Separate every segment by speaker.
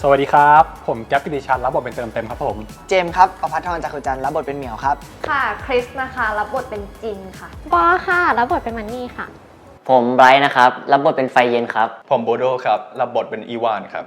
Speaker 1: สวัสดีครับผมแก๊ปปิติชันรับบทเป็นเติมเต็มครับผม
Speaker 2: เจมส์ครับประภัทรจักรจันทร์รับบทเป็นเหมียวครับ
Speaker 3: ค่ะคริสนะคะรับบทเป็นจินค่ะ
Speaker 4: ปอค่ะรับบทเป็นมันนี่ค่ะ
Speaker 5: ผมไบรท์นะครับรับบทเป็นไฟเย็นครับ
Speaker 6: ผมโบโดครับรับบทเป็นอีวานครับ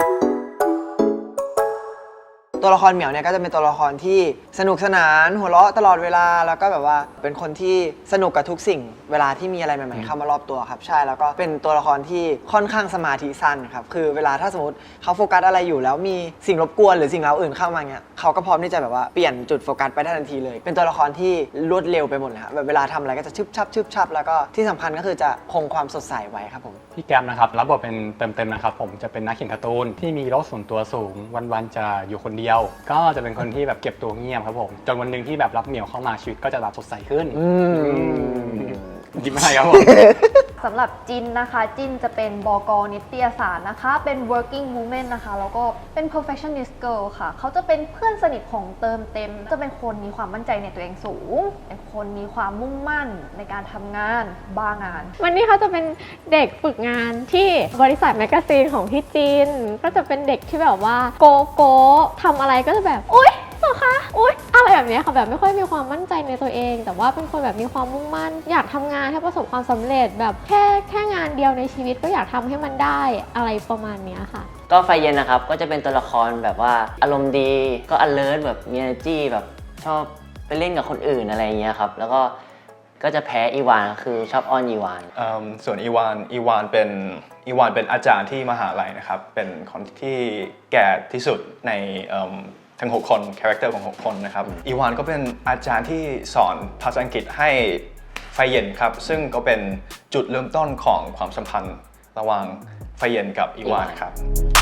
Speaker 2: ตัวละครเหมียวเนี่ยก็จะเป็นตัวละครที่สนุกสนานหัวเราะตลอดเวลาแล้วก็แบบว่าเป็นคนที่สนุกกับทุกสิ่งเวลาที่มีอะไรใหม่ๆเข้ามารอบตัวครับใช่แล้วก็เป็นตัวละครที่ค่อนข้างสมาธิสั้นครับคือเวลาถ้าสมมติเขาโฟกัสอะไรอยู่แล้วมีสิ่งรบกวนหรือสิ่งเร้าอื่นเข้ามาเงี้ยเขาก็พร้อมที่จะแบบว่าเปลี่ยนจุดโฟกัสไปได้ทันทีเลยเป็นตัวละครที่รวดเร็วไปหมดเลยครับแบบเวลาทำอะไรก็จะชึบชับแล้วก็ที่สำคัญก็คือจะคงความสดใสไว้ครับผม
Speaker 1: พี่แกมนะครับรับบทเป็นเติมเต็มนะครับผมจะเป็นนักเขียนการ์ตูนที่มีโลกส่วนตัวสูงวันๆจะอยู่คนเดียวก็จะเป็นคนที่แบบเก็บตัวเงียบครับผมจนวันหนึ่งที่แบบรับเหมียวเข้ามาชีวิตก็จะแบบสดใสขึ้นยิ้มอะไรครับผม
Speaker 3: สำหรับจินนะคะจินจะเป็นบก.นิตยสารนะคะเป็น working woman นะคะแล้วก็เป็น perfectionist girl ค่ะเขาจะเป็นเพื่อนสนิทของเติมเต็มจะเป็นคนมีความมั่นใจในตัวเองสูงเป็นคนมีความมุ่งมั่นในการทำงานบ้างาน
Speaker 4: วันนี้เขาจะเป็นเด็กฝึกงานที่บริษัทแมกกาซีนของพี่จินก็จะเป็นเด็กที่แบบว่าโกทำอะไรก็จะแบบอุ๊ยเหรอคะอุ๊ยอะไรแบบนี้ค่ะแบบไม่ค่อยมีความมั่นใจในตัวเองแต่ว่าเป็นคนแบบมีความมุ่งมั่นอยากทำงานให้ประสบความสำเร็จแบบแค่งานเดียวในชีวิตก็อยากทำให้มันได้อะไรประมาณนี้ค่ะ
Speaker 5: ก็ไฟเย็นนะครับก็จะเป็นตัวละครแบบว่าอารมณ์ดีก็ alert แบบมี energy แบบชอบไปเล่นกับคนอื่นอะไรอย่างเงี้ยครับแล้วก็จะแพ้อีวานคือชอบอ้อนอีวาน
Speaker 6: ส่วนอีวานเป็นอาจารย์ที่มหาลัยนะครับเป็นคนที่แก่ที่สุดในทั้ง6คนคาแรคเตอร์ของ6คนนะครับอีวานก็เป็นอาจารย์ที่สอนภาษาอังกฤษให้ไฟเย็นครับซึ่งก็เป็นจุดเริ่มต้นของความสัมพันธ์ระหว่างไฟเย็นกับอีวานครับ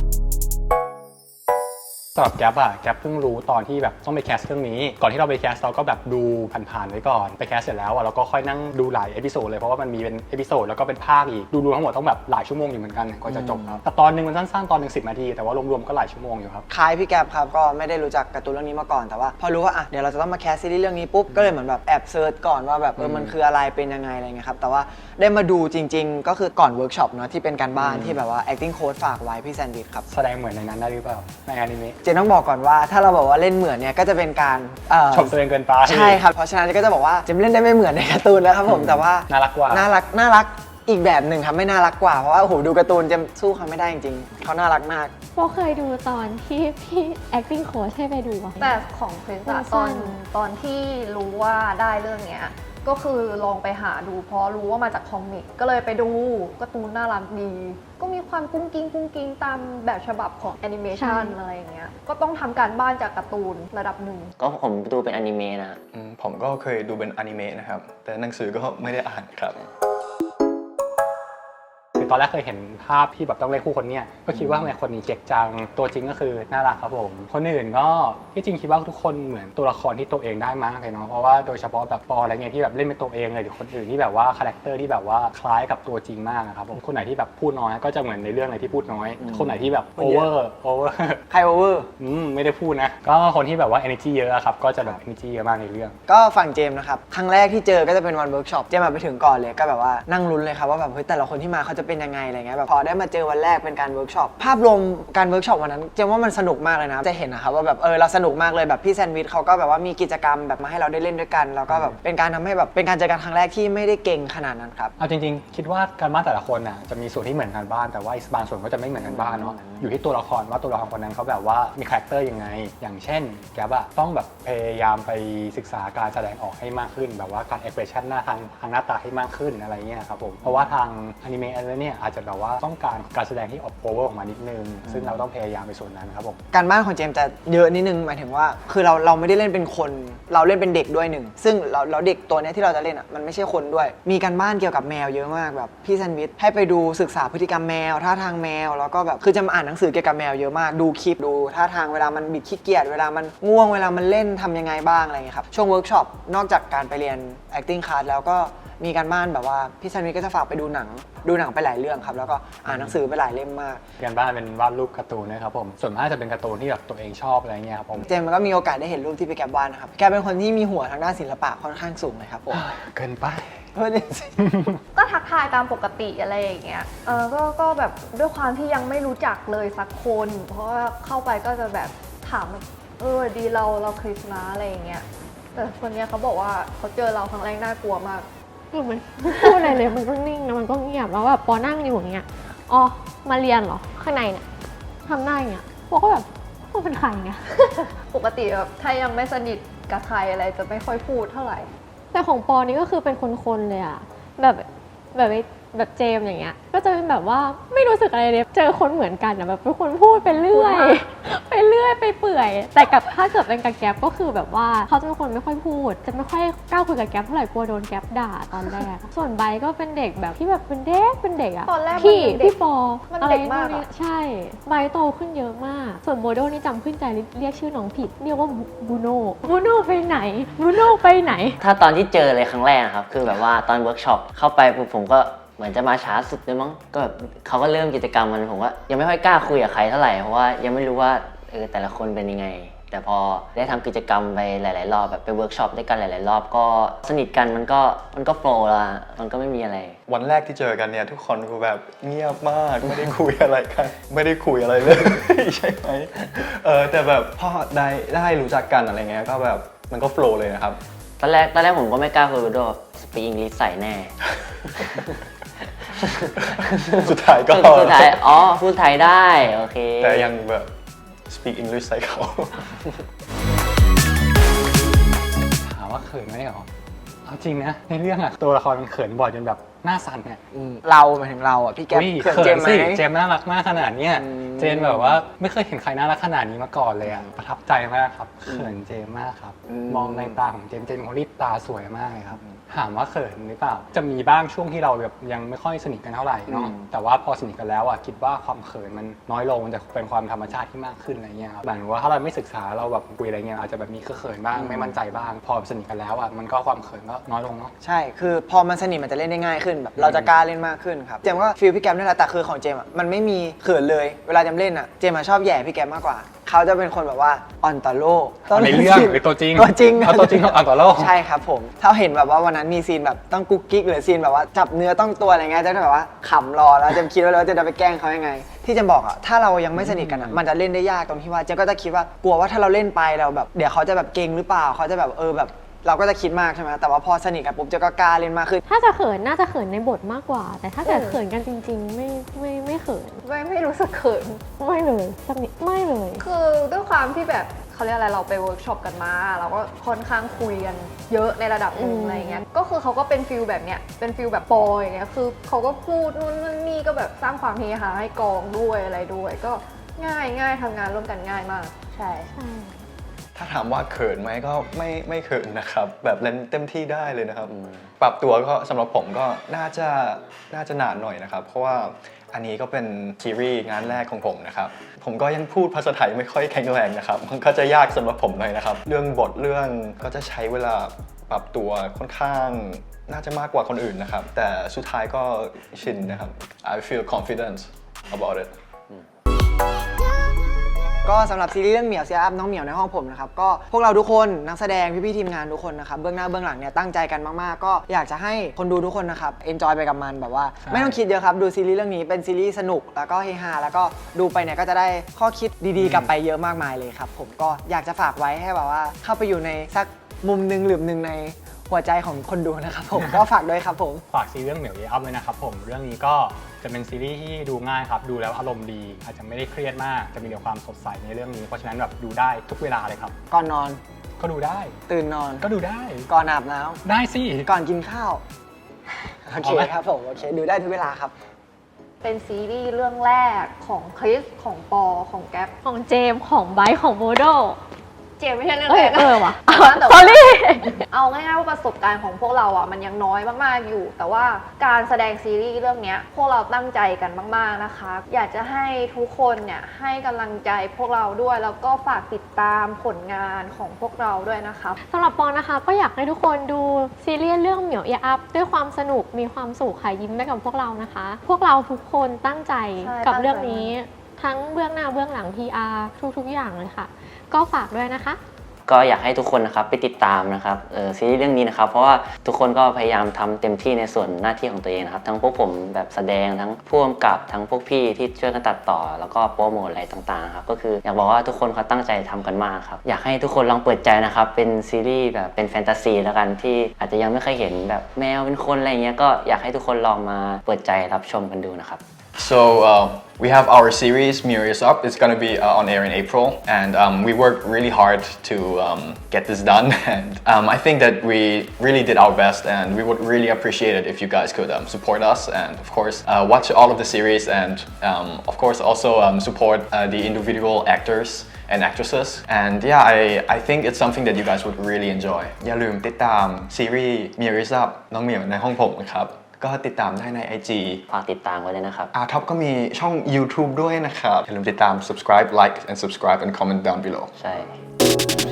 Speaker 1: สำหรับแก๊ปเพิ่งรู้ตอนที่แบบต้องไปแคสเรื่องนี้ก่อนที่เราไปแคสเราก็แบบดูผ่านๆไว้ก่อนไปแคสเสร็จแล้วเราก็ค่อยนั่งดูหลายเอพิโซดเลยเพราะว่ามันมีเป็นเอพิโซดแล้วก็เป็นภาคอีกดูทั้งหมดต้องแบบหลายชั่วโมงอยู่เหมือนกันกว่าจะจบครับแต่ตอนนึงมันสั้นๆตอนนึง10 นาทีแต่ว่ารวมๆก็หลายชั่วโมงอยู่ครับ
Speaker 2: คล้ายพี่แก๊ปครับก็ไม่ได้รู้จักการ์ตูนเรื่องนี้มาก่อนแต่ว่าพอรู้ว่าเดี๋ยวเราจะต้องมาแคสซีรีส์เรื่องนี้ปุ๊บก็เลยเหมือนแบบแอบเซิร์ชก่อนว่าแบบมันคืออะไรเป็นยังไงอะไรเงี้ยครับแต่ว่าได้มาดูจริงๆก็คือก่อนเวิร์กช็อปเนาะที่เป็นการบ้านที่แบบว่า acting coach ฝากไว้พี่แซนด์วิชครับ
Speaker 1: แสดงเหมือนในนั้นได้หรือเปล่าในอนิเมะ
Speaker 2: เจนต้องบอกก่อนว่าถ้าเราบอกว่าเล่นเหมือนเนี่ยก็จะเป็นการ
Speaker 1: ชมตัวเองเกินไป
Speaker 2: ใช่ครับเพราะฉะนั้นก็จะบอกว่าเจมเล่นได้ไม่เหมือนในการ์ตูนแล้วครับผมแต่ว่า
Speaker 1: น่ารักกว่า
Speaker 2: น่ารักอีกแบบหนึ่งครับไม่น่ารักกว่าเพราะว่าโอ้โหดูการ์ตูนเจมสู้เขาไม่ได้จริงๆเขาน่ารักมาก
Speaker 4: โบเคยดูตอนที่พี่ acting coach ให้ไปดู
Speaker 3: แต่ของคริสตอนที่รู้ว่าได้เรื่องเนี้ยก็คือลองไปหาดูเพราะรู้ว่ามาจากคอมิกก็เลยไปดูการ์ตูนน่ารักดีก็มีความกุ้งกิ้งตามแบบฉบับของแอนิเมชันอะไรอย่างเงี้ยก็ต้องทำการบ้านจากการ์ตูนระดับหนึ่ง
Speaker 5: ก็ผมดูเป็นอนิเมะนะ
Speaker 6: ผมก็เคยดูเป็นอนิเมะนะครับแต่หนังสือก็ไม่ได้อ่านครับ
Speaker 1: ตอนแรกเคยเห็นภาพที่แบบต้องเล่นคู่คนเนี้ยก็คิดว่าทำไมคนนี้เจ๊กจังตัวจริงก็คือน่ารักครับผมคนอื่นก็ที่จริงคิดว่าทุกคนเหมือนตัวละครที่ตัวเองได้มากเลยเนาะเพราะว่าโดยเฉพาะแบบปออะไรเงี้ยที่แบบเล่นเป็นตัวเองเลยหรือคนอื่นที่แบบว่าคาแรคเตอร์ที่แบบว่าคล้ายกับตัวจริงมากครับผมคนไหนที่แบบพูดน้อยก็จะเหมือนในเรื่องอะไรที่พูดน้อยคนไหนที่แบบโอเวอร์
Speaker 2: ใครโอเวอร์
Speaker 1: ไม่ได้พูดนะก็คนที่แบบว่า energy เยอะครับก็จะแบบ energy เยอะมากในเรื่อง
Speaker 2: ก็ฝั่งเจมนะครับครั้งแรกที่เจอก็จะเป็นวันเวิร์กช็อปเจมไปถึงก่อนเลยก็แบบว่านั่งลุ้นเลยครับว่าแบบเฮ้ยแต่ละคนที่มาเขาจะเป็นยังไงอะไรเงี้ยแบบพอได้มาเจอวันแรกเป็นการเวิร์กช็อปภาพรวมการเวิร์กช็อปวันนั้นเจมว่ามันสนุกมากเลยนะจะเห็นนะครับว่าแบบเราสนุกมากเลยแบบพี่แซนด์วิชเขาก็แบบว่ามีกิจกรรมแบบมาให้เราได้เล่นด้วยกันแล้วก็แบบเป็นการทำให้แบบเป็นการเจอกันครั้งแรกที่ไม่ได้เก่งขนาดนั้นครับ
Speaker 1: เอาจริงๆคิดว่าการบ้านแต่ละคนน่ะจะมีส่วนที่เหมือนกันบ้านแต่ว่าอีกบางส่วนก็จะไม่เหมือนกันบ้านเนาะอยู่ที่ตัวละครว่าตัวละครคนนั้นเขาแบบว่ามีคาแรคเตอร์ยังไงอย่างเช่นแกบอะต้องแบบพยายามไปศึกษาการแสดงออกให้มากขึ้นแบบว่าการเอ็กเพรสชั่นหน้าทางหน้าตาให้มากขึ้นอะไรเงี้ยครับผมเพราะว่าทางอนิเมะอะไรเนี่ยอาจจะแบบว่าต้องการแสดงที่ออกโอเวอร์ออกมานิดนึงซึ่งเราต้องพยายามไปส่วนนั้นครับผม
Speaker 2: การบ้านของเจมจะเยอะนิดนึงหมายถึงว่าคือเราไม่ได้เล่นเป็นคนเราเล่นเป็นเด็กด้วยหนึ่งซึ่งเราเด็กตัวนี้ที่เราจะเล่นอ่ะมันไม่ใช่คนด้วยมีการบ้านเกี่ยวกับแมวเยอะมากแบบพี่แซนด์วิชให้ไปดูศึกษาพฤติกรรมแมวท่าทางแมวแล้วก็แบบคือจะมาอ่านหนังสือเกี่ยวกับแมวเยอะมากดูคลิปดูท่าทางเวลามันบิดขี้เกียจเวลามันง่วงเวลามันเล่นทำยังไงบ้างอะไรเงี้ยครับช่วงเวิร์กช็อปนอกจากการไปเรียน acting class แล้วก็มีการบ้านแบบว่าพี่แซนด์วิชก็จะฝากไปดูหนังไปหลายเรื่องครับแล้วก็อ่านหนังสือไปหลายเล่มมาก
Speaker 1: การบ้านเป็นวาดรูปการ์ตูนนะครับผมส่วนมากจะเป็นการ์ตูนที่แบบตัวเองชอบอะไรเงี้ยครับผม
Speaker 2: เจมก็มีโอกาสได้เห็นรูปที่พี่แกวาดนะครับแกเป็นคนที่มีหัวทางด้านศิลปะค่อนข้างสูงเลยครับผม
Speaker 1: เกินไป
Speaker 2: เพื่อนจริง
Speaker 3: ก็ทักทายตามปกติอะไรอย่างเงี้ยก็แบบด้วยความที่ยังไม่รู้จักเลยสักคน เพราะว่าเข้าไปก็จะแบบถามแบบดีเราคริสนะอะไรอย่างเงี้ยแต่คนเนี้ยเขาบอกว่าเขาเจอเราครั้งแรกน่ากลัวมาก
Speaker 4: คือมันไม่พูดอะไรเลยมันก็นิ่งนะมันก็เงียบแล้วแบบปอนั่งอยู่อย่างเงี้ยอ๋อมาเรียนเหรอข้างในเนี่ยทำหน้าอย่างเงี้ยปอก็แบบปอเป็นใครเนี่ย
Speaker 3: ปกติแบบถ้ายังไม่สนิทกับใครอะไรจะไม่ค่อยพูดเท่าไหร่
Speaker 4: แต่ของปอนี่ก็คือเป็นคนๆเลยอะแบบเจมส์อย่างเงี้ยก็จะเป็นแบบว่าไม่รู้สึกอะไรเลยเจอคนเหมือนกันอะแบบเป็นคนพูดไปเรื่อย ไปเรื่อยไปเปื่อย แต่กับถ้าเกิดเป็นกับแก๊ปก็คือแบบว่าเขาจะเป็นคนไม่ค่อยพูด จะไม่ค่อยกล้าคุยกับแก๊ปเท่าไหร่กลัวโดนแก๊ปด่าตอนแรก ส่วนไบร์ทก็เป็นเด็กแบบที่แบบเป็นเด็กอะ
Speaker 3: ตอนแรกมัน
Speaker 4: พี่
Speaker 3: เป็นเด็ก
Speaker 4: พี่ปอ
Speaker 3: มัน
Speaker 4: อะไร
Speaker 3: เด็กมากอะ
Speaker 4: นู่นนี่ใช่ไบร์ทโตขึ้นเยอะมาก ส่วนโมโดนี่จำขึ้นใจเรียกชื่อน้องผิดเรียกว่าบูโน่ไปไหนบูโน่ไปไหน
Speaker 5: ถ้าตอนที่เจอเลยครั้งแรกนะครับคือแบบว่าตอนเวิร์กช็อปเข้าไปปุ๊บผมก็เหมือนจะมาช้าสุดเลยมั้งก็แบบเขาก็เริ่มกิจกรรมมันผมว่ายังไม่ค่อยกล้าคุยกับใครเท่าไหร่เพราะว่ายังไม่รู้ว่าแต่ละคนเป็นยังไง แต่พอได้ทำกิจกรรมไปหลายๆรอบแบบไปเวิร์กช็อปด้วยกันหลายๆรอบก็สนิทกันมันก็โฟล์ละมันก็ไม่มีอะไร
Speaker 6: วันแรกที่เจอกันเนี่ยทุกคนคือแบบเงียบมากไม่ได้คุยอะไรกัน ไม่ได้คุยอะไรเลย ใช่ไหมแต่แบบพอได้รู้จักกันอะไรเงี้ยก็แบบมันก็โฟล์เลยนะครับ
Speaker 5: ตอนแรกผมก็ไม่กล้าคุยด้วยสปีกอังกฤษใส่แน่
Speaker 6: สุดท้ายก็
Speaker 5: สุดท้ายอ๋อพูดไทยได้โอเค
Speaker 6: แต่ยังแบบ speak English ใส่เขา
Speaker 1: ถามว่าเขินไหมเหรอเอาจริงนะในเรื่องอะตัวละครมันเขินบ่อยจนแบบหน้าสั่นเนี่ย
Speaker 2: เราหมายถึงเราอ่ะพี่แก๊ป
Speaker 1: อุ๊ย
Speaker 2: เขิน
Speaker 1: เขิ
Speaker 2: เจ
Speaker 1: น
Speaker 2: มส์ไหม
Speaker 1: สิเจมส์น่ารักมากขนาดเนี้ย
Speaker 2: อืม
Speaker 1: เจนแบบว่าไม่เคยเห็นใครน่ารักขนาดนี้มาก่อนเลยอะประทับใจมากครับเขินเจมส์มากครับ มองในตาของเจมส์เป็นคนที่ตาสวยมากเลยครับถามว่าเขินหรือเปล่าจะมีบ้างช่วงที่เราแบบยังไม่ค่อยสนิทกันเท่าไหร่เนาะแต่ว่าพอสนิทกันแล้วอะคิดว่าความเขินมันน้อยลงมันจะเป็นความธรรมชาติที่มากขึ้นอะไรเงี้ยครับหมายถึงว่าถ้าเราไม่ศึกษาเราแบบคุยอะไรเงี้ยอาจจะแบบมีเขินบ้างไม่มั่นใจบ้างพอสนิทกันแล้วอะมันก็ความเขินก็น้อยลงเนาะ
Speaker 2: ใช่คือพอมันสนิทมันจะเล่นได้ง่ายขึ้นแบบเราจะกล้าเล่นมากขึ้นครับเจมส์ก็ฟีลพี่แก๊ปนี่แหละแต่คือของเจมส์อ่ะมันไม่มีเขินเลยเวลาเจมส์เล่นอ่ะเจมส์อะชอบแหย่พี่แก๊ปมากกว่าเขาจะเป็นคนแบบว่าอ่อนต่อโลก
Speaker 1: ในเรื่องหรือตัวจริง
Speaker 2: ตัวจริง
Speaker 1: เอาตัวจริงเอาต่อโลก
Speaker 2: ใช่ครับผมถ้าเห็นแบบว่าวันนั้นมีซีนแบบต้องกุ๊กกิ๊กหรือซีนแบบว่าจับเนื้อต้องตัวอะไรเงี้ยจะแบบว่าขำรอแล้วเจมส์คิดไว้เลยว่าจะไปแกล้งเขายังไง ที่เจมส์บอกอ่ะถ้าเรายังไม่สนิทกันอ่ะมันจะเล่นได้ยากตรงที่ว่าเจมส์ก็จะคิดว่ากลัวว่าถ้าเราเล่นไปเราแบบเดี๋ยวเขาจะแบบเก่งหรือเปล่าเขาจะแบบแบบเราก็จะคิดมากใช่ไหมแต่ว่าพอสนิทกันปุ๊บเจมส์ก็กล้าเล่นมากขึ้น
Speaker 4: ถ้าจะเขินน่าจะเขินในบทมากกว่า แต่ถ้าเกิดเขินกันจริงๆไม่เขิน
Speaker 3: ไม่รู้สึกเขิน
Speaker 4: ไม่เลยสักนิดไม่เลย
Speaker 3: คือด้วยความที่แบบเขาเรียกอะไรเราไปเวิร์กช็อปกันมาเราก็ค่อนข้างคุยกันเยอะในระดับหนึ่งอะไรเงี้ยก็คือเขาก็เป็นฟิลแบบเนี้ยเป็นฟิลแบบปอยอย่างเงี้ยคือเขาก็พูดนู่นนั่นนี่ก็แบบสร้างความเฮฮาให้กองด้วยอะไรด้วย ก็ง่ายทำงานร่วมกันง่ายมากใช่
Speaker 6: ถ้าถามว่าเขินไหมก็ไม่เขินนะครับแบบเล่นเต็มที่ได้เลยนะครับปรับตัวก็สำหรับผมก็น่าจะนานหน่อยนะครับเพราะว่าอันนี้ก็เป็นซีรีส์งานแรกของผมนะครับผมก็ยังพูดภาษาไทยไม่ค่อยแข็งแรงนะครับมันก็จะยากสำหรับผมหน่อยนะครับเรื่องบทเรื่องก็จะใช้เวลาปรับตัวค่อนข้างน่าจะมากกว่าคนอื่นนะครับแต่สุดท้ายก็ชินนะครับ I feel confident about it
Speaker 2: ก็สำหรับซีรีส์เรื่องเหมียวเซียอัพน้องเหมียวในห้องผมนะครับก็พวกเราทุกคนนักแสดงพี่ๆทีมงานทุกคนนะครับเบื้องหน้าเบื้องหลังเนี่ยตั้งใจกันมากๆก็อยากจะให้คนดูทุกคนนะครับเอนจอยไปกับมันแบบว่า
Speaker 1: ใช่
Speaker 2: ไม่ต้องคิดเยอะครับดูซีรีส์เรื่องนี้เป็นซีรีส์สนุกแล้วก็เฮฮาแล้วก็ดูไปเนี่ยก็จะได้ข้อคิดดีๆกลับไปเยอะมากมายเลยครับผมก็อยากจะฝากไว้ให้แบบว่าเข้าไปอยู่ในสักมุมหนึ่งหลืมหนึ่งในหัวใจของคนดูนะครับผม ก็ฝากด้วยครับผม
Speaker 1: ฝากซีรีส์เรื่องเหมียวเยอัพเลยนะครับผมเรื่องนี้ก็จะเป็นซีรีส์ที่ดูง่ายครับดูแล้วอารมณ์ดี อาจจะไม่ได้เครียดมาก จะมีแต่ความสดใสในเรื่องนี้เพราะฉะนั้นแบบดูได้ทุกเวลาเลยครับ
Speaker 2: ก่อนนอน
Speaker 1: ก็ดูได้
Speaker 2: ตื่นนอน
Speaker 1: ก็ดูได้
Speaker 2: ก่อนอาบน้ำ
Speaker 1: ได้สิ
Speaker 2: ก่อนกินข้าวโอเค
Speaker 1: เอาไหม
Speaker 2: ครับผมโอเคดูได้ทุกเวลาครับ
Speaker 3: เป็นซีรีส์เรื่องแรกของคริสของปอของแก๊ป
Speaker 4: ของเจมส์ของไบร์ทของโมโด
Speaker 3: เจมไม่ใช่เรื่อง
Speaker 4: เอ
Speaker 3: แร
Speaker 4: อก ว่ะ
Speaker 3: แต่
Speaker 4: สอ
Speaker 3: ว่า
Speaker 4: รี่
Speaker 3: เอาง่ายๆว่าประสบการณ์ของพวกเราอ่ะมันยังน้อยมากๆอยู่ แต่ว่าการแสดงซีรีส์เรื่องเนี้ยพวกเราตั้งใจกันมากๆนะคะ อยากจะให้ทุกคนเนี่ยให้กำลังใจพวกเราด้วยแล้วก็ฝากติดตามผลงานของพวกเราด้วยนะคะ
Speaker 4: สำหรับปอนะคะก็อยากให้ทุกคนดูซีรีส์เรื่องเหมียวเอียอัพด้วยความสนุกมีความสุขค่ะยิ้มไปกับพวกเรานะคะ พวกเราทุกคนตั้งใจ
Speaker 3: ใช่
Speaker 4: กับ
Speaker 3: ตั้งใจ
Speaker 4: เรื่องนี้ทั้งเบื้องหน้าเบื้องหลัง PR ทุกๆอย่างเลยค่ะ ก็ฝากด้วยนะคะ
Speaker 5: ก็อยากให้ทุกคนนะครับไปติดตามนะครับซีรีส์เรื่องนี้นะครับเพราะว่าทุกคนก็พยายามทำเต็มที่ในส่วนหน้าที่ของตัวเองนะครับทั้งพวกผมแบบแสดงทั้งผู้กำกับทั้งพวกพี่ที่ช่วยกันตัดต่อแล้วก็โปรโมทอะไรต่างๆครับก็คืออยากบอกว่าทุกคนเขาตั้งใจทำกันมากครับอยากให้ทุกคนลองเปิดใจนะครับเป็นซีรีส์แบบเป็นแฟนตาซีแล้วกันที่อาจจะยังไม่เคยเห็นแบบแมวเป็นคนอะไรเงี้ยก็อยากให้ทุกคนลองมาเปิดใจรับชมกันดูนะครับ
Speaker 6: So we have our series Mirror Is Up. It's gonna be on air in April, and we worked really hard to get this done. And I think that we really did our best, and we would really appreciate it if you guys could support us and of course watch all of the series and of course also support the individual actors and actresses. And yeah, I think it's something that you guys would really enjoy. อย่าลืมติดตามซีรีส์ Mirror Is Up น้องเหมียวในห้องผมนะครับก็ติดตามได้ใน IG
Speaker 5: ฝากติดตามไว้เลยนะครับ
Speaker 6: Top ก็มีช่อง YouTube ด้วยนะครับอย่าลืมติดตาม subscribe like and subscribe and comment down below
Speaker 5: ใช่